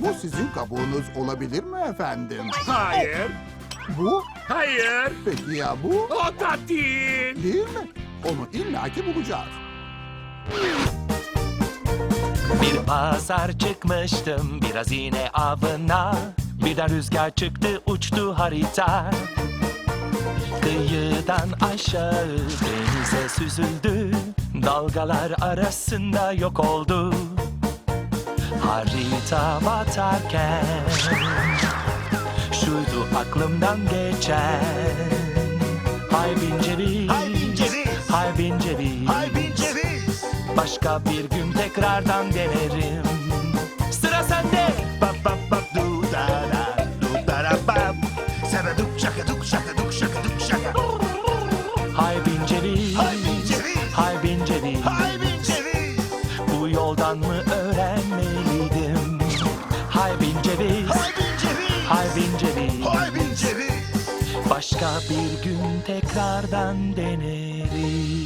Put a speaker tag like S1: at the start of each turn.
S1: Bu sizin kabuğunuz olabilir mi efendim?
S2: Hayır.
S1: Bu?
S2: Hayır.
S1: Peki ya bu?
S2: O da değil.
S1: Değil mi? Onu illaki bulacağız.
S3: Bir pazar çıkmıştım biraz yine avına. Birden rüzgar çıktı uçtu harita. Kıyıdan aşağı denize süzüldü. Dalgalar arasında yok oldu. Harita batarken şuydu aklımdan geçen. Hay bin ceviz,
S4: Hay bin ceviz,
S3: hay bin ceviz.
S4: hay bin ceviz.
S3: Başka bir gün tekrardan denerim. Sıra sende.
S4: Bap bap bap du da da du da da bap. Sana duk şaka duk şaka duk şaka duk şaka.
S3: Hay bin ceviz,
S4: Hay bin ceviz,
S3: hay bin ceviz.
S4: hay bin ceviz.
S3: Bu yoldan mı öğrenmeliydim? Hay bin ceviz,
S4: Hay bin ceviz,
S3: hay bin ceviz.
S4: hay bin ceviz.
S3: Başka bir gün tekrardan denerim.